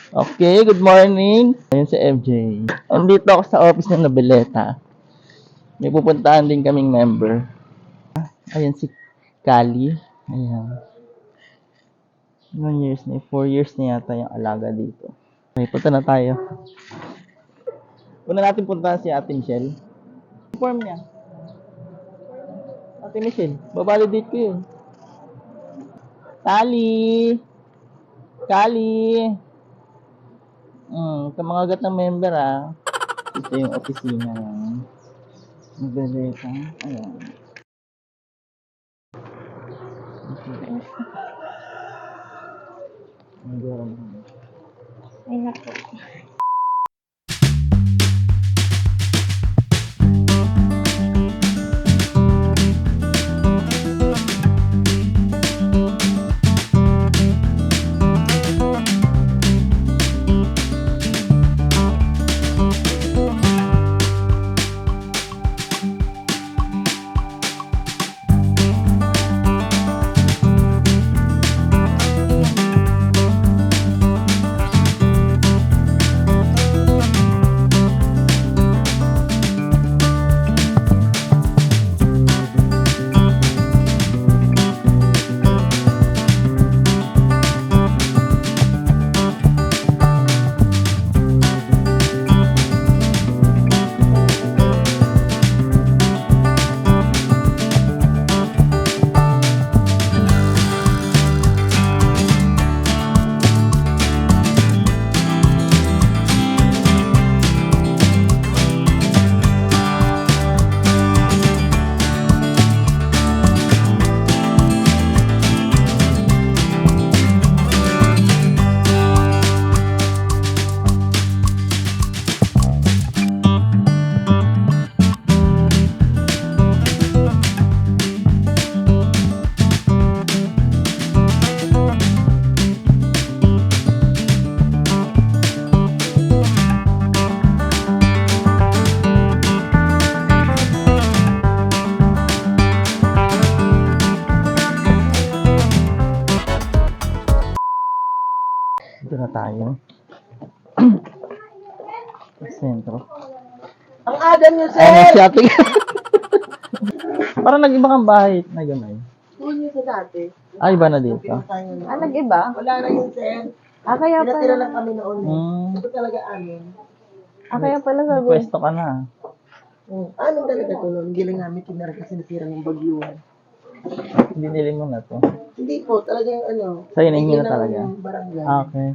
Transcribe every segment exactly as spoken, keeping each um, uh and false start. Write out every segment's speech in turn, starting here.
Okay, good morning. Ayun si M J. Andito ako sa office ng Nobeleta. May pupuntahan din kaming member. Ayun si Kali. Ayan. Ilang years na? Four years na yata yung alaga dito. Okay, punta na tayo. Una natin puntahan si Ate Michelle. Form niya. Ate Michelle, babalidate ko yun. Kali! Kali! Hmm, kamagat ng member ah. Ito yung opisina ng Nobeleta. Ayan. Ay, naku. Dito na tayo. Sentro. Ang adam niyo, sir! Ayun si Ate. Parang nag-iba kang bahay na gano'n. Doon niyo sa dati. Ay, iba na dito. Ah, nag-iba? Wala na yun, sir. Ah, kaya Pinatira pala. lang kami noon. eh. Hmm, Ito talaga amin. Ah, kaya pala may sabi. pwesto ka na. Hmm. Amin talaga ito noon. Hindi lang namin tinira kasi nasira ng bagyuhan. Binili mo na to. Hindi po, talagang ano. Sa inyo hindi na ng talaga? Barangay. Ah, okay.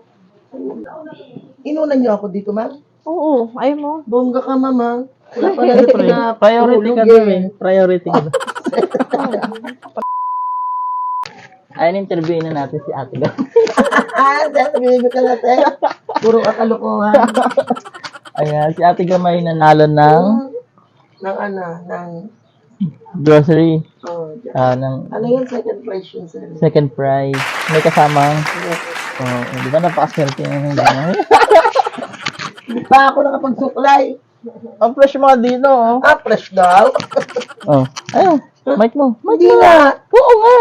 Inunan niyo ako dito, ma'am? Oo, ayaw mo. Bongga ka, mama. Wala pa na Siyempre, priority ka doon eh. Priority ka doon. Ayun, interviewin na natin si Ate Gam. Ah, sasabihin ko talaga, sir. Puro kakalukuhan. Ayan, si Ate Gamay nanalo ng ng ano, ng, grocery. oh, dyan. Ah, ng Ano yun, second prize yun, sir. second prize. May kasamang, oh, di ba napakaswerte na ng gano'n? Hindi pa ako nakapagsuklay. Ang fresh mga dito, oh. Ah, fresh daw. Oh, ayun, mic mo. Mic Hindi mo. nga. Oo nga.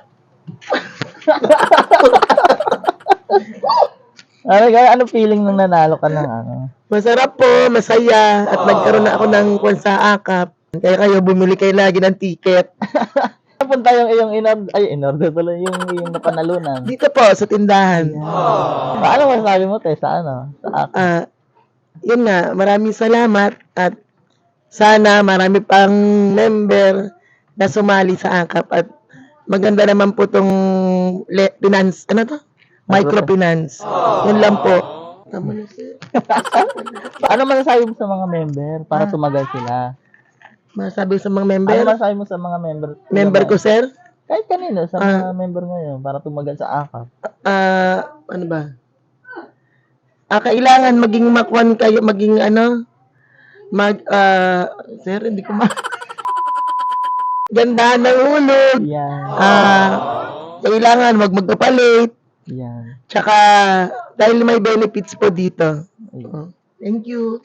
Ano, kaya ano feeling nung nanalo ka ng ano? Masarap po, masaya, at nagkaroon na ako ng kwan sa akap. Kaya kayo bumili kayo lagi ng ticket. Napunta yung iyong in-order, ay in-order tuloy yung yung napanalunan. Dito po, sa tindahan. Paano masasabi mo, te, sa ano? Sa akin? Ah, yun nga, maraming salamat at sana marami pang member na sumali sa akap at maganda naman po tong le- finance, ano to? Microfinance. Yun lang po. Tama na, sir. Paano masasabi mo sa mga member para tumagal sila? Masabi sa mga Ano member? masasabi mo sa mga member? Member ko, sir? Kahit kanino, sa mga member ngayon, para tumagal sa akap. Ah, ano ba? Ah, kailangan maging makwan kayo, maging ano, mag, ah, sir, hindi ko ma... Ganda ng ulo. Yan. Ah, kailangan wag magpapalit. Yan. Tsaka, dahil may benefits po dito. Ayun. Oh, thank you.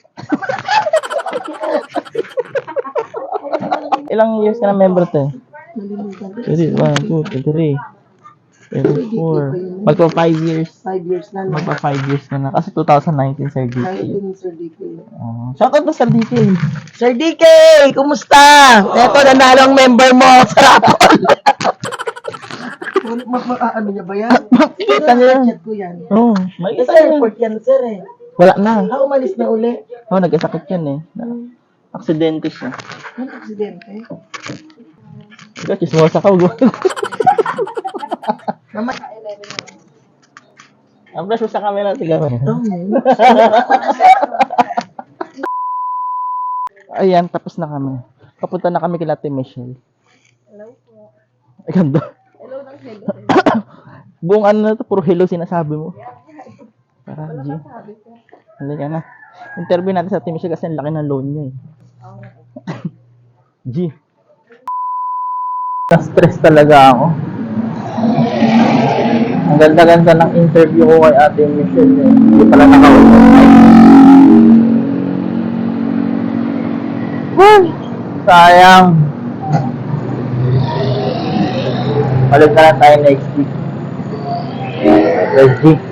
Ilang years ka na member, te? Nalimutan ko. Three, one, two, three. twenty-four. Magpa five years. Five years na, no? Magpa five years na na. Kasi twenty nineteen, Sir D K. Nineteen, Sir D K. Uh, shoutout na Sir D K. Sir D K, kumusta? Ito, nanalo ang member mo sa raffle. Ano niya ba yan? Makikita niya yan. Chat ko yan. Oo. Oh, Sa makikita niya. airport yan, sir eh. Wala na. Ah, umalis na uli. Oo, oh, nagkasakit yan eh. Aksidente siya. Ano aksidente? Ikaw, chismosa ka. Naman. Ang flash mo sa camera, tiga mo. Ayan, tapos na kami. Papunta na kami kila Ate Michelle. Hello po. Ay, ganda. Hello ng hello. Buong ano na to, puro hello sinasabi mo. Tara, G. Sabi ko. Hindi ka na. Interview natin sa Ate Michelle kasi ang laki ng loan niya eh. G. Na-stress talaga ako. Ang ganda-ganda ng interview ko kay Ate Michelle eh. Hindi pala naka-open mic. Woo! Sayang. Balik na lang tayo next week. Let's G.